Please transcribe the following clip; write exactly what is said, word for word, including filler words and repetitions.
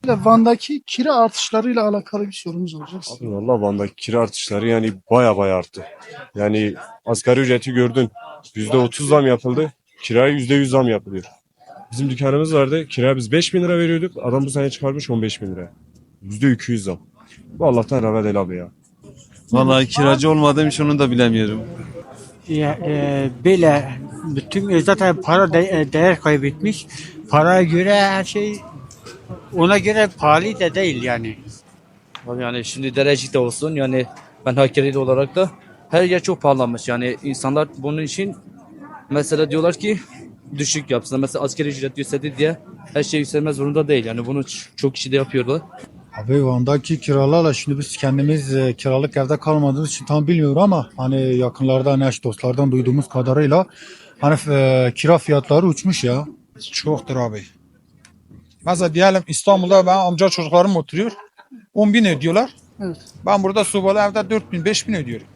Van'daki kira artışlarıyla alakalı bir sorumuz olacak. Abi valla Van'daki kira artışları yani baya baya arttı. Yani asgari ücreti gördün. Yüzde otuz zam yapıldı. Kiraya yüzde yüz zam yapılıyor. Bizim dükkanımız vardı. Kiraya biz beş bin lira veriyorduk. Adam bu sene çıkarmış on beş bin lira. Yüzde iki yüz zam. Bu Allah'tan rahmet el abi ya. Vallahi kiracı olmadığım için onu da bilemiyorum. Ya, e, böyle bütün zaten para de- e, değer kaybetmiş. Paraya göre her şey ona göre pahalı da değil yani. Abi yani şimdi Derecik'te olsun yani ben Hakkari'de olarak da her yer çok pahalanmış. Yani insanlar bunun için mesela diyorlar ki düşük yapsın. Mesela asgari ücret yükseldi diye her şey yükselmez zorunda değil. Yani bunu ç- çok kişi de yapıyorlar. Abi Van'daki kiralarla şimdi biz kendimiz e, kiralık evde kalmadığımız için tam bilmiyorum ama hani yakınlardan, eş dostlardan duyduğumuz kadarıyla hani e, kira fiyatları uçmuş ya. Çoktur abi. Mesela diyelim İstanbul'da ben amca çocuklarım oturuyor. on bin ödüyorlar. Evet. Ben burada Subalı evde dört bin beş bin ödüyorum.